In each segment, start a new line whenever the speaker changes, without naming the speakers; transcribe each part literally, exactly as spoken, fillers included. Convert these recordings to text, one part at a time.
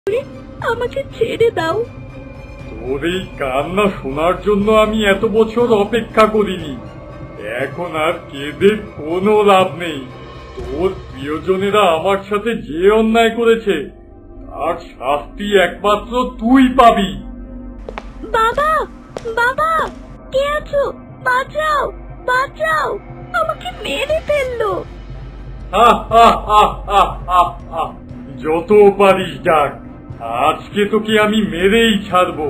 আমাকে ছেড়ে দাও।
তোর এই কান্না শোনার জন্য আমি এত বছর অপেক্ষা করিনি। এখন আর কেঁদে কোনো লাভ নেই। তোর প্রিয়জনেরা আমার সাথে যে অন্যায় করেছে তার শাস্তি একমাত্র তুই পাবি।
বাবা, বাবা, কে আছো? বাঁচাও, বাঁচাও, আমাকে মেরে ফেললো।
হা হা হা হা হা হা। যত পারিস ডাক, আজকে তোকে আমি মেরেই ছাড়বো।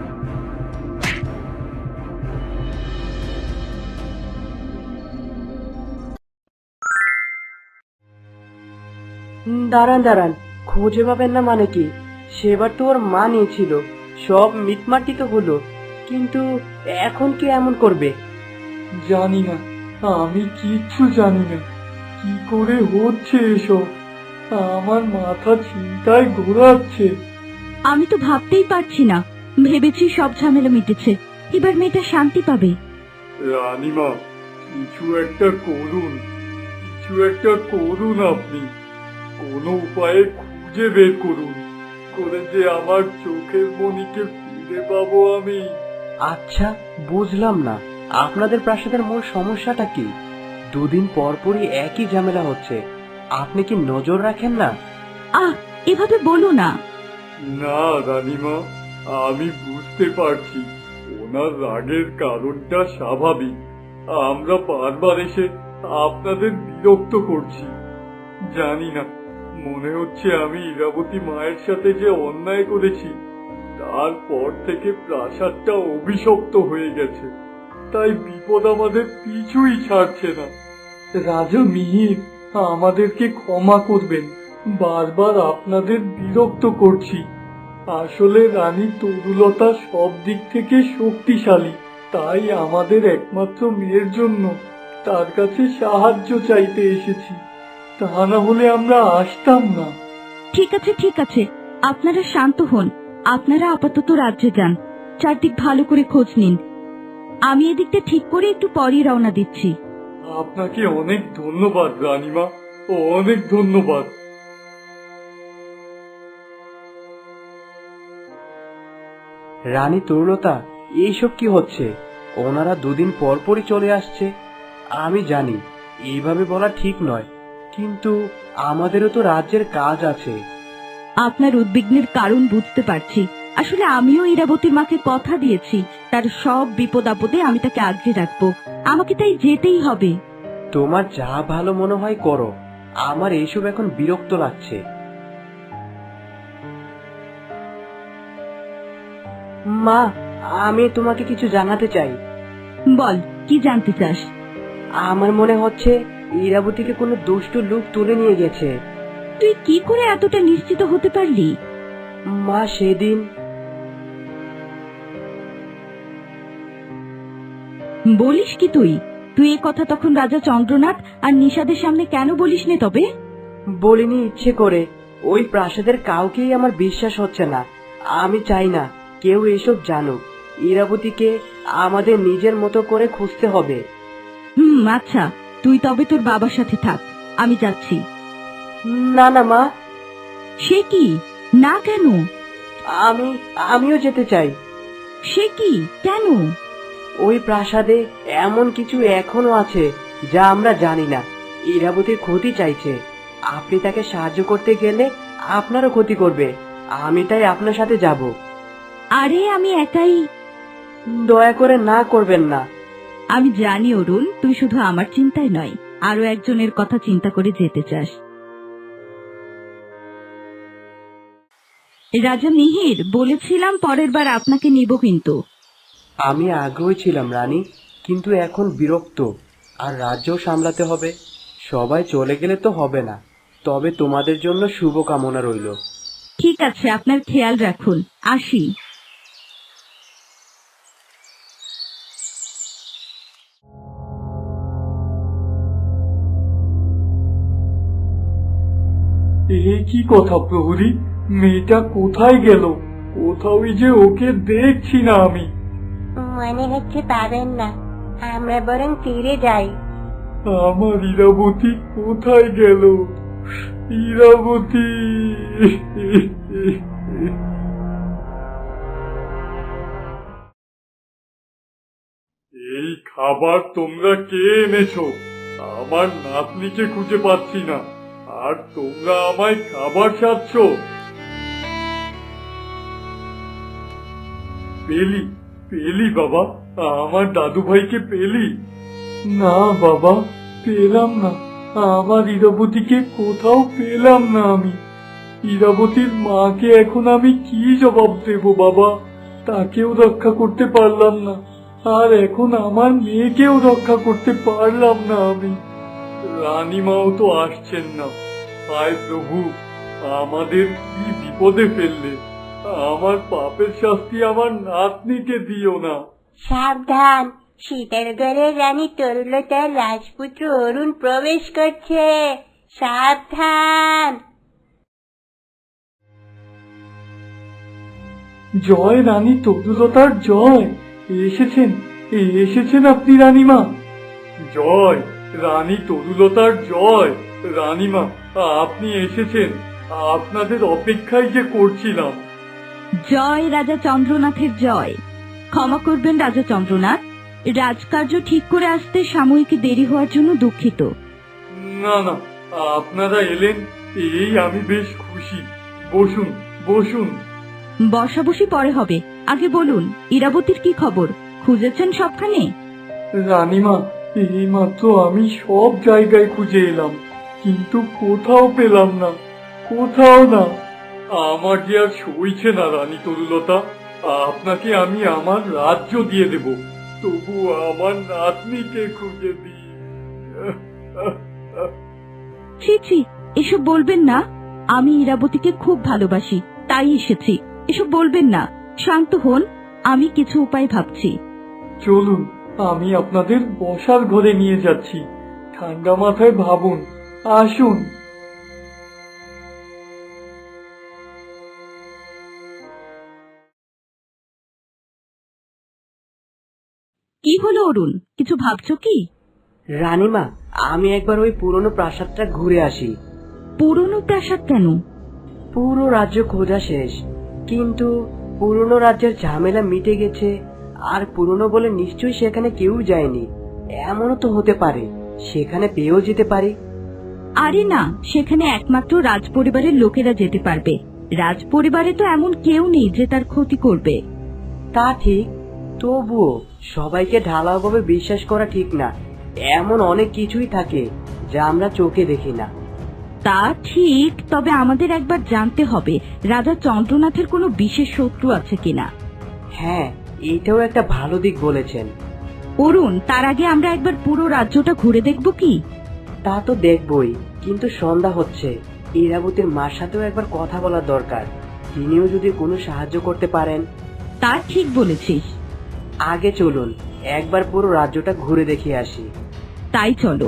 দাঁড়ান দাঁড়ান, খুঁজে পাবেন না মানে কি? সেবার তো ওর মা নিয়েছিল, সব মিটমাটি তো হলো, কিন্তু এখন কি এমন করবে?
জানি না, আমি কিচ্ছু জানি না কি করে হচ্ছে এসব। আমার মাথা চিন্তায় ঘোরাচ্ছে।
আমি তো ভাবতেই পারছি না। ভেবেছি সব ঝামেলা মিটেছে, এবার মেয়েটা শান্তি পাবে।
রানীমা, কিছু একটা করুন, কিছু একটা করুন আপনি। কোনো উপায়ে খুঁজে বের করুন, করে যে আমার চোখের মণিকে ফিরে পাবো আমি।
আচ্ছা, বুঝলাম না আপনাদের প্রাসাদের মূল সমস্যাটা কি? দুদিন পর পরই একই ঝামেলা হচ্ছে, আপনি কি নজর রাখেন না?
আহ, এভাবে বলো না।
না রানীমা, আমি বুঝতে পারছি ওনার রাগের কারণটা স্বাভাবিক। আমরা বারবার এসে আপনাদের বিরক্ত করছি। জানি না, মনে হচ্ছে আমি ইরাবতী মায়ের সাথে যে অন্যায় করেছি তারপর থেকে প্রাসাদটা অভিশপ্ত হয়ে গেছে, তাই বিপদ আমাদের পিছুই ছাড়ছে না। রাজা মিহির, আমাদেরকে ক্ষমা করবেন, বারবার আপনাদের বিরক্ত করছি। আসলে রানী তরুলতা সব দিক থেকে শক্তিশালী, তাই আমাদের একমাত্র মেয়ের জন্য তার কাছে সাহায্য চাইতে এসেছি, তা না হলে আমরা আসতাম না।
ঠিক আছে, ঠিক আছে, আপনারা শান্ত হন। আপনারা আপাতত রাজ্যে যান, চারদিক ভালো করে খোঁজ নিন। আমি এদিকটা ঠিক করে একটু পরই রওনা দিচ্ছি।
আপনাকে অনেক ধন্যবাদ রানীমা, অনেক ধন্যবাদ।
রানী তরুলতা, এইসব কি হচ্ছে? ওনারা দুদিন পর পরই চলে আসছে। আমি জানি এইভাবে বলা ঠিক নয়, কিন্তু আমাদেরও তো রাজ্যের কাজ আছে।
আপনার উদ্বিগ্নের কারণ বুঝতে পারছি। আসলে আমিও ইরাবতীর মাকে কথা দিয়েছি, তার সব বিপদ আপদে আমি তাকে আগলে রাখবো। আমাকে তাই যেতেই হবে।
তোমার যা ভালো মনে হয় করো, আমার এইসব এখন বিরক্ত লাগছে। মা, আমি তোমাকে কিছু জানাতে চাই।
বল, কি জানতে চাস?
আমার মনে হচ্ছে ইরাবতীকে কোনো দুষ্ট লোক তুলে নিয়ে গেছে।
তুই কি করে এতটা নিশ্চিত হতে পারলি?
মা, সেদিন
বলিস কি তুই? তুই এ কথা তখন রাজা চন্দ্রনাথ আর নিষাদের সামনে কেন বলিস নে? তবে
বলিনি ইচ্ছে করে, ওই প্রাসাদের কাউকেই আমার বিশ্বাস হচ্ছে না। আমি চাই না কেউ এসব জানুক। ইরাবতীকে আমাদের নিজের মতো করে খুঁজতে হবে।
হুম, আচ্ছা, তুই তবে তোর বাবার সাথে থাক, আমি যাচ্ছি।
না না মা।
সে কি? না কেন?
আমি আমিও যেতে চাই।
সে কি? কেন?
ওই প্রাসাদে এমন কিছু এখনো আছে যা আমরা জানি না। ইরাবতীর ক্ষতি চাইছে, আপনি তাকে সাহায্য করতে গেলে আপনারও ক্ষতি করবে। আমি তাই আপনার সাথে যাব।
আরে, আমি একাই।
দয়া করে না করবেন না।
আমি জানি অরুণ, তুই শুধু আমার চিন্তায় নয়, আরো একজনের কথা চিন্তা করে যেতে চাস। রাজা মিহির, বলেছিলাম পরের বার আপনাকে নিব কিন্তু।
আমি আগ্রহী ছিলাম রানী, কিন্তু এখন বিরক্ত, আর রাজ্যও সামলাতে হবে। সবাই চলে গেলে তো হবে না। তবে তোমাদের জন্য শুভ কামনা রইল।
ঠিক আছে, আপনার খেয়াল রাখুন, আসি।
এ কি কথা প্রহরী, মেয়েটা কোথায় গেল? কোথাওই যে ওকে দেখছি না আমি।
মনে হচ্ছে পাবেন না, আমরা বরং ফিরে যাই।
আমার ইরাবতী কোথায় গেল? ইরাবতী। আবার তোমরা কে এনেছো? আমার নাতনিকে খুঁজে পাচ্ছি না, আর তোমরা আমায় খাবার সাজছ। পেলি পেলি বাবা, আমার দাদু ভাইকে পেলি? না বাবা, পেলাম না। আমার ইরাবতীকে কোথাও পেলাম না আমি। ইরাবতীর মাকে এখন আমি কি জবাব দেব বাবা? তাকেও রক্ষা করতে পারলাম না, আর এখন আমার মেয়েকেও রক্ষা করতে পারলাম না আমি। রানীমাও তো আসছেন না। হায় প্রভু, আমাদের কি বিপদে ফেললে। আমার পাপের শাস্তি আমার নাতনিকে দিও না।
সাবধান, সীতারগড়ের রানী তরুলতার রাজপুত্র অরুণ প্রবেশ করছে, সাবধান।
জয় রানী তরুলতার জয়। এসেছেন, এসেছেন আপনি রানীমা। জয় রানী তরুলতার জয়। রানীমা, আপনি এসেছেন, আপনাদের অপেক্ষায় যে করছিলাম।
জয় রাজা চন্দ্রনাথের জয়। ক্ষমা করবেন রাজা চন্দ্রনাথ, রাজকার্য ঠিক করে আসতে সাময়িক দেরি হওয়ার জন্য দুঃখিত।
না না, আপনারা এলেন এই আমি বেশ খুশি। বসুন বসুন।
বসাবসি পরে হবে, আগে বলুন ইরাবতীর কি খবর? খুঁজেছেন সবখানে?
রানীমা, এই মাত্র আমি সব জায়গায় খুঁজে এলাম, কিন্তু কোথাও পেলাম না, কোথাও না। আমার যে আর সইছে না রানী তরুলতা, আপনাকে আমি আমার রাজ্য দিয়ে দেব, তবু আমার নাতনিকে খুঁজে দিই।
ছি ছি, এসব বলবেন না। আমি ইরাবতীকে খুব ভালোবাসি, তাই এসেছি। এসব বলবেন না, শান্ত হন, আমি কিছু উপায় ভাবছি।
চলুন, আমি আপনাদের বসার ঘরে নিয়ে যাচ্ছি। ঠান্ডা মাথায় ভাবুন, আসুন।
কি হলো অরুণ, কিছু ভাবছো কি?
রানীমা, আমি একবার ওই পুরনো প্রাসাদটা ঘুরে আসি।
পুরনো প্রাসাদ কেন?
পুরো রাজ্য খোঁজা শেষ, কিন্তু পুরনো রাজ্যের ঝামেলা মিটে গেছে, আর পুরনো বলে নিশ্চয়ই সেখানে কেউ যায়নি। এমনও তো হতে পারে সেখানে পেয়েও যেতে পারি।
আরে না, সেখানে একমাত্র রাজ পরিবারের লোকেরা যেতে পারবে। রাজ পরিবারে তো এমন কেউ নেই যে তার ক্ষতি করবে।
তা ঠিক, তবুও সবাইকে ঢালাওভাবে বিশ্বাস করা ঠিক না। এমন অনেক কিছুই থাকে যা আমরা চোখে দেখি না।
তা ঠিক, তবে আমাদের একবার জানতে হবে রাজা চন্দ্রনাথের কোনো বিশেষ শত্রু আছে কিনা।
হ্যাঁ, এটাও একটা ভালো দিক বলেছেন।
অরুণ, তার আগে আমরা একবার পুরো রাজ্যটা ঘুরে দেখব কি?
তা তো দেখবই, কিন্তু সন্ধ্যা হচ্ছে, ইরাবতীর মার সাথেও একবার কথা বলার দরকার। তিনিও যদি কোনো সাহায্য করতে পারেন।
তা ঠিক বলেছিস।
আগে চলুন, একবার পুরো রাজ্যটা ঘুরে দেখে আসি।
তাই চলো।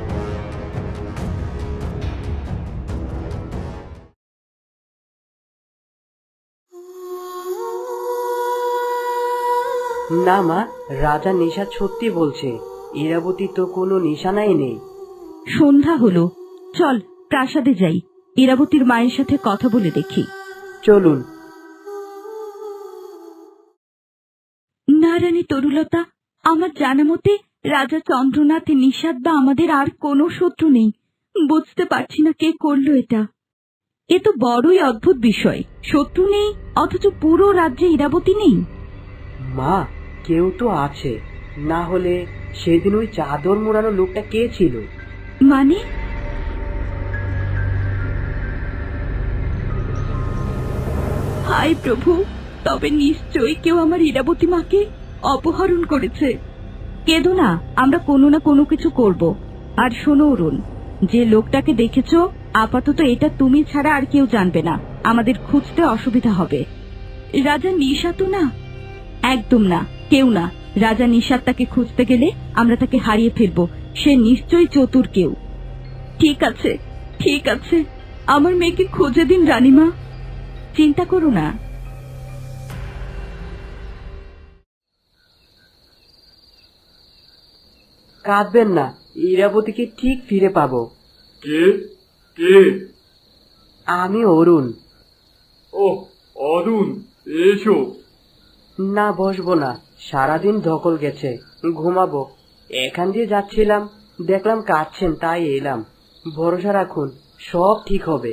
না মা, রাজা নিশাদ সত্যি বলছে, ইরাবতী তো কোনো নিশানাই নেই।
সন্ধ্যা হলো, চল প্রাসাদে যাই, ইরাবতীর মায়ের সাথে কথা বলে দেখি।
চলুন।
না রানী তরুলতা, আমার জানা মতে রাজা চন্দ্রনাথ, নিষাদ বা আমাদের আর কোনো শত্রু নেই। বুঝতে পারছি না কে করলো এটা। এ তো বড়ই অদ্ভুত বিষয়, শত্রু নেই অথচ পুরো রাজ্যে ইরাবতী নেই।
মা, কেউ তো আছে, না হলে সেদিন ওই চাদর মোড়ানো লোকটা কে ছিল?
মানে? হায় প্রভু, তবে নিশ্চয়ই কেউ আমার ইরাবতী মাকে অপহরণ করেছে। কেঁদো না, আমরা কোনো না কোনো কিছু করব। আর শোনো অরুণ, যে লোকটাকে দেখেছো, আপাতত এটা তুমি ছাড়া আর কেউ জানবে না, আমাদের খুঁজতে অসুবিধা হবে। রাজা নিশা তো না? একদম না, কেউ না। রাজা নিশাদ তাকে খুঁজতে গেলে আমরা তাকে হারিয়ে ফেলবো, সে নিশ্চয়ই চতুর কেউ। ঠিক আছে ঠিক আছে, আমার মেয়েকে খুঁজে দিন রানীমা, চিন্তা করো না।
কাঁদবেন না, ইরাবতীকে ঠিক ফিরে পাবো।
কে কে?
আমি অরুণ।
ও অরুণ, এসো।
না, বসবো না, সারাদিন ধকল গেছে, ঘুমাবো। এখান দিয়ে যাচ্ছিলাম, দেখলাম কাঁদছেন, তাই এলাম। ভরসা রাখুন, সব ঠিক হবে।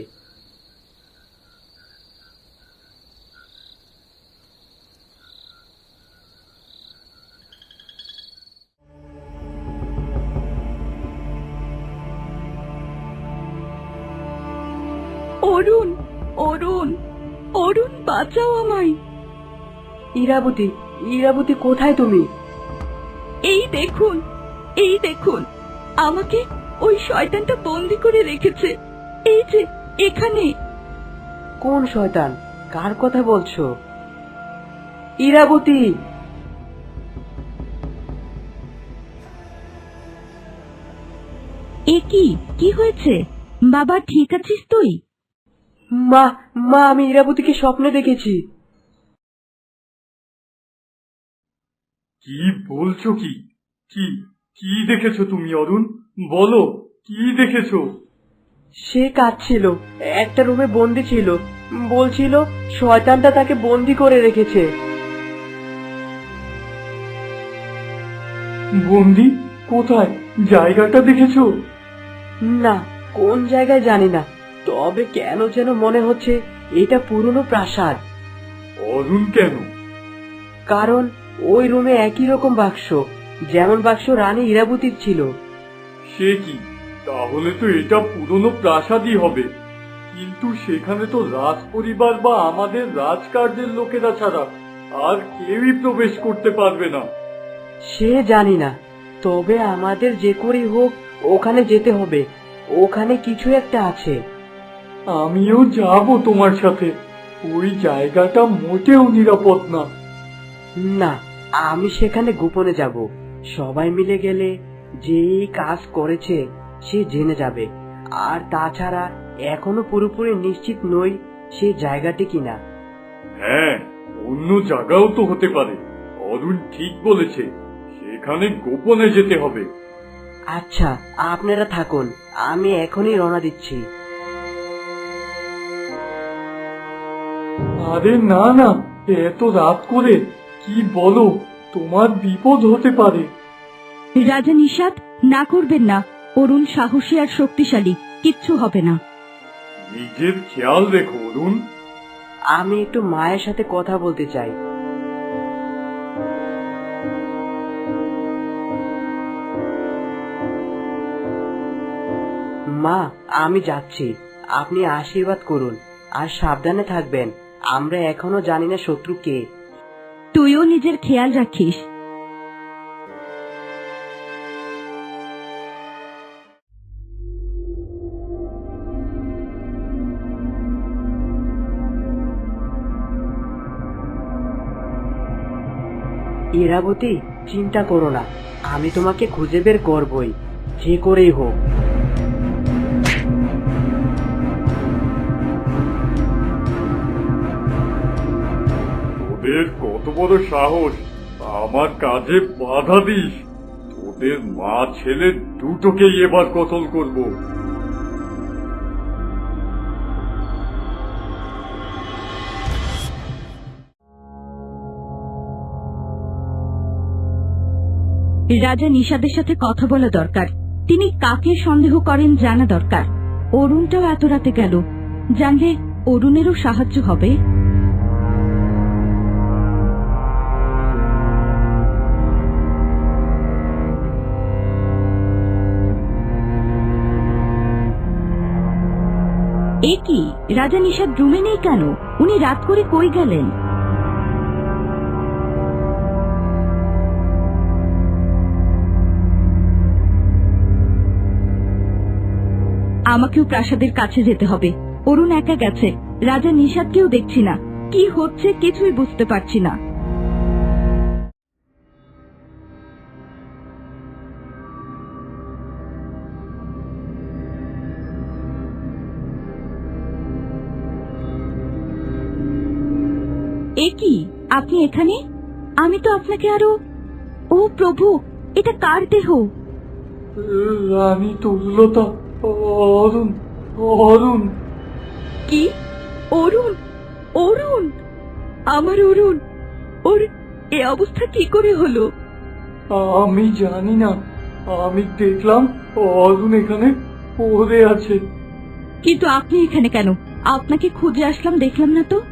অরুণ, অরুণ, অরুণ, বাঁচাও আমায়।
ইরাবতী, ইরাবতী, কোথায় তুমি?
এই দেখুন, এই দেখুন, আমাকে ওই শয়তানটা বন্দি করে রেখেছে। এই যে এখানে।
কোন শয়তান? কার কথা বলছো? ইরাবতী!
এ কি, কি হয়েছে? বাবা, ঠিক আছিস তুই?
মা, মা, আমি ইরাবতীকে স্বপ্নে দেখেছি।
কি বলছো? কি কি কি দেখেছো তুমি অরুণ? বলো, কি দেখেছো?
সে কাঁদছিল, একটা রুমে বন্দি ছিল, বলছিল শয়তানটা তাকে বন্দি করে রেখেছে।
বন্দি? কোথায়? জায়গাটা দেখেছো?
না, কোন জায়গায় জানি না, তবে কেন যেন মনে হচ্ছে এটা পুরনো প্রাসাদ।
অরুণ, কেন?
কারণ ওই রুমে একই রকম বাক্স, যেমন বাক্স রানী ইরাবতীর ছিল।
সে কি? তাহলে তো এটা পুরনো প্রাসাদই হবে। কিন্তু সেখানে তো রাজ পরিবার বা আমাদের রাজকার্যের লোকেরা ছাড়া আর কেউই প্রবেশ করতে পারবে না।
সে জানি না, তবে আমাদের যে করেই হোক ওখানে যেতে হবে। ওখানে কিছু একটা আছে।
আমিও যাব তোমার সাথে। ওই জায়গাটা মোটেও নিরাপদ না।
না, আমি সেখানে গোপনে যাব। সবাই মিলে গেলে যে এই কাজ করেছে সে জেনে যাবে। আর তাছাড়া এখনো পুরোপুরি নিশ্চিত নই সে জায়গাটি কিনা।
হ্যাঁ, অন্য জায়গাও তো হতে পারে। অরুণ ঠিক বলেছে, সেখানে গোপনে যেতে হবে।
আচ্ছা, আপনারা থাকুন, আমি এখনই রওনা দিচ্ছি।
আরে না না, এত রাত করে কি বলো? তোমার বিপদ হতে পারে।
রাজা নিষাদ, না করবেন না। অরুণ সাহসী আর শক্তিশালী, কিচ্ছু হবে না।
নিজের খেয়াল রেখো অরুণ।
আমি একটু মায়ের সাথে কথা বলতে চাই। মা, আমি যাচ্ছি, আপনি আশীর্বাদ করুন আর সাবধানে থাকবেন। আমরা এখনো জানি না শত্রু কে।
তুইও নিজের খেয়াল রাখিস।
ইরাবতী, চিন্তা করো না, আমি তোমাকে খুঁজে বের করবই, যে করেই হোক।
তোদের কত বড় সাহস আমার কাজে বাধা দিস! তোদের মা ছেলে দুটোকেই এবার কতল করব।
রাজা নিষাদের সাথে কথা বলা দরকার। তিনি কাকে সন্দেহ করেন জানা দরকার। অরুণটাও এত রাতে গেল, জানলে অরুণেরও সাহায্য হবে। এ কি, রাজা নিষাদ রুমে নেই কেন? উনি রাত করে কই গেলেন? আমাকেও প্রাসাদের কাছে যেতে হবে। অরুণ একা গেছে, রাজা নিষাদকেও দেখছি না। কি হচ্ছে কিছুই বুঝতে পারছি না। এ কি, আপনি এখানে? আমি তো আপনাকে আরো... ও প্রভু, এটা কার দেহ?
রানী তরুলতা, অরুণ, অরুণ।
কি? অরুণ? অরুণ? আমার অরুণ? ওর এ অবস্থা কি করে হলো?
আমি জানি না। আমি দেখলাম অরুণ এখানে পড়ে আছে।
কিন্তু আপনি এখানে কেন? আপনাকে খুঁজে আসলাম, দেখলাম না তো।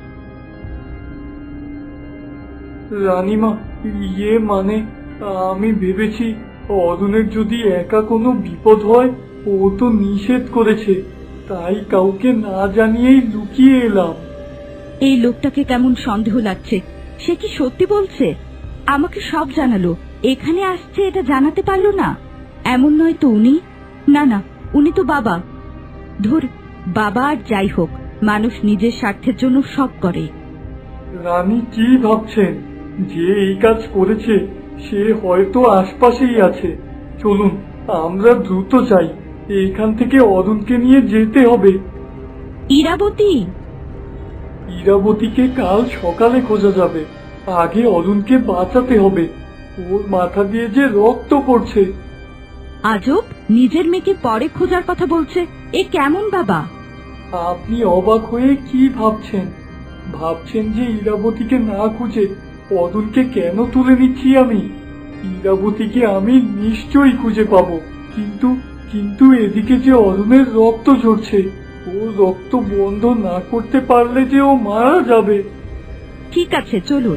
রানীমা, ইয়ে মানে আমি ভেবেছি অরুণের যদি একা কোনো বিপদ হয়, ও তো নিষেধ করেছে, তাই কাউকে না জানিয়েই লুকিয়ে এলাম।
এই লোকটাকে কেমন সন্দেহ লাগছে। সে কি সত্যি বলছে? আমাকে সব জানালো, এখানে আসছে এটা জানাতে পারলো না? এমন নয় তো উনি? না না, উনি তো বাবা। ধর, বাবা আর যাই হোক, মানুষ নিজের স্বার্থের জন্য সব করে।
রানী কি ভাবছেন? যে এই কাজ করেছে সে হয়তো আশপাশেই আছে। চলুন আমরা দ্রুত যাই, এইখান থেকে অরুণকে নিয়ে যেতে হবে।
ইরাবতী,
ইরাবতীকে কাল সকালে খোঁজা যাবে, আগে অরুণকে বাঁচাতে হবে। ওর মাথা দিয়ে যে রক্ত পড়ছে।
আজব, নিজের মেয়েকে পরে খোঁজার কথা বলছে। এ কেমন বাবা?
আপনি অবাক হয়ে কি ভাবছেন? ভাবছেন যে ইরাবতীকে না খুঁজে অরুণকে কেন তুলে নিচ্ছি আমি? ইরাবতীকে আমি নিশ্চয়ই খুঁজে পাবো, কিন্তু কিন্তু এদিকে যে অরুণের রক্ত ঝরছে, ও রক্ত বন্ধ না করতে পারলে যে ও মারা যাবে।
ঠিক আছে, চলুন।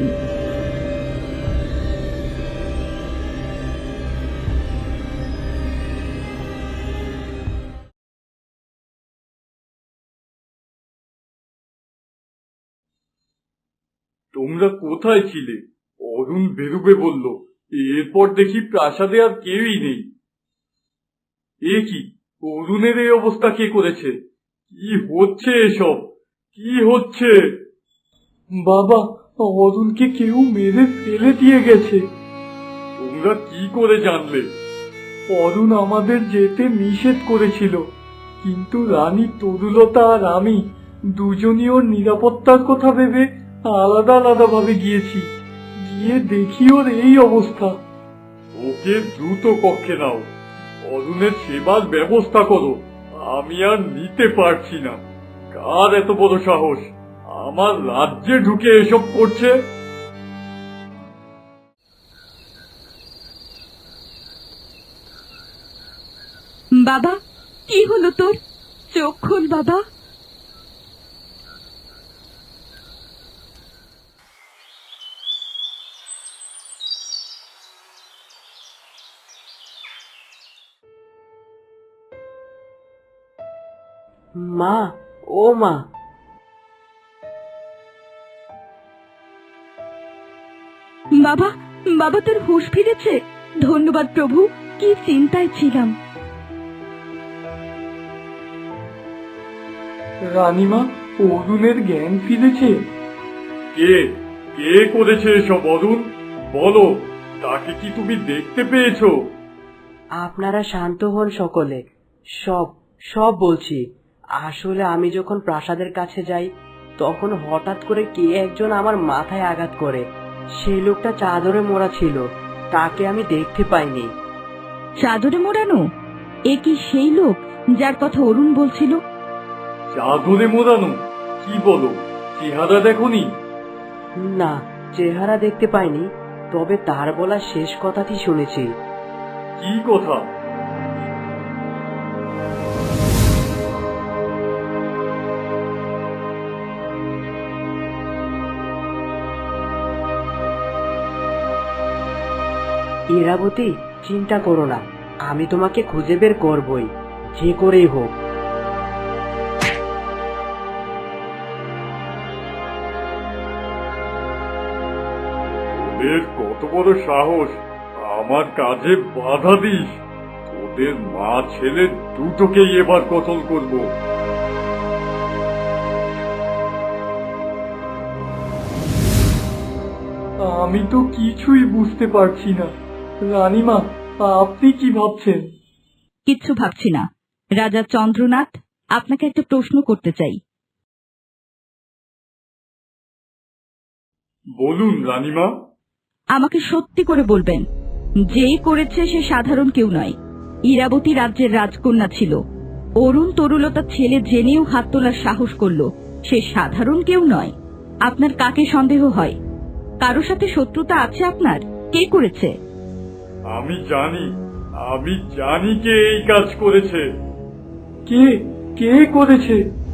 তোমরা কোথায় ছিলে? অরুণ বেরুবে বলল, এরপর দেখি প্রাসাদে আর কেউই নেই। এ কি, অরুণের এই অবস্থা কে করেছে? কি হচ্ছে এসব? কি হচ্ছে? বাবা, অরুণকে কেউ মেরে ফেলে দিয়ে গেছে। তোমরা কি করে জানলে? অরুণ আমাদের যেতে নিষেধ করেছিল, কিন্তু রানী তরুলতা আর আমি দুজনই ওর নিরাপত্তার কথা ভেবে আলাদা আলাদা ভাবে গিয়েছি। গিয়ে দেখি ওর এই অবস্থা। ওকে দ্রুত কক্ষে নাও, অরুণের সেবার ব্যবস্থা করো। আমি আর নিতে পারছি না। কার এত বড় সাহস আমার রাজ্যে ঢুকে এসব করছে?
বাবা, কি হলো তোর? চোখ খোল বাবা।
মা, ও মা।
বাবা, বাবা তোর হুঁশ ফিরেছে? ধন্যবাদ প্রভু, কি চিন্তায় ছিলাম।
রানীমা, অরুণের জ্ঞান ফিরেছে? কে কে করেছে এসব? অরুণ, বলো, তাকে কি তুমি দেখতে পেয়েছো?
আপনারা শান্ত হন সকলে। সব সব বলছি। আসলে আমি যখন প্রাসাদের কাছে যাই, তখন হঠাৎ করে কে একজন আমার মাথায় আঘাত করে। সেই লোকটা চাদরে মোড়া ছিল, তাকে আমি দেখতে পাইনি।
চাদরে মোড়ানো? এ কি সেই লোক যার কথা অরুণ বলছিল?
চাদরে মোড়ানো? কি বলো, চেহারা দেখোনি?
না, চেহারা দেখতে পাইনি, তবে তার বলা শেষ কথাটি শুনেছি।
কি কথা?
ইরাবতী, চিন্তা করো না, আমি তোমাকে খুঁজে বের করবই, যে করেই হোক।
তোদের কত বড় সাহস আমার কাজে বাধা দিস? তোদের মা ছেলে দুটোকেই এবার কতল করব। আমি তো কিছুই বুঝতে পারছি না। রানীমা, আপনি কি ভাবছেন?
কিচ্ছু ভাবছি না। রাজা চন্দ্রনাথ, আপনাকে একটা প্রশ্ন করতে চাই।
বলুন রানীমা।
আমাকে সত্যি করে বলবেন, যে করেছে সে সাধারণ কেউ নয়। ইরাবতী রাজ্যের রাজকন্যা ছিল। অরুণ তরুলতার ছেলে জেনেও হাত তোলার সাহস করলো, সে সাধারণ কেউ নয়। আপনার কাকে সন্দেহ হয়? কারো সাথে শত্রুতা আছে আপনার? কে করেছে?
আমি জানি আমি জানি কে এই কাজ করেছে।
কে কে করেছে?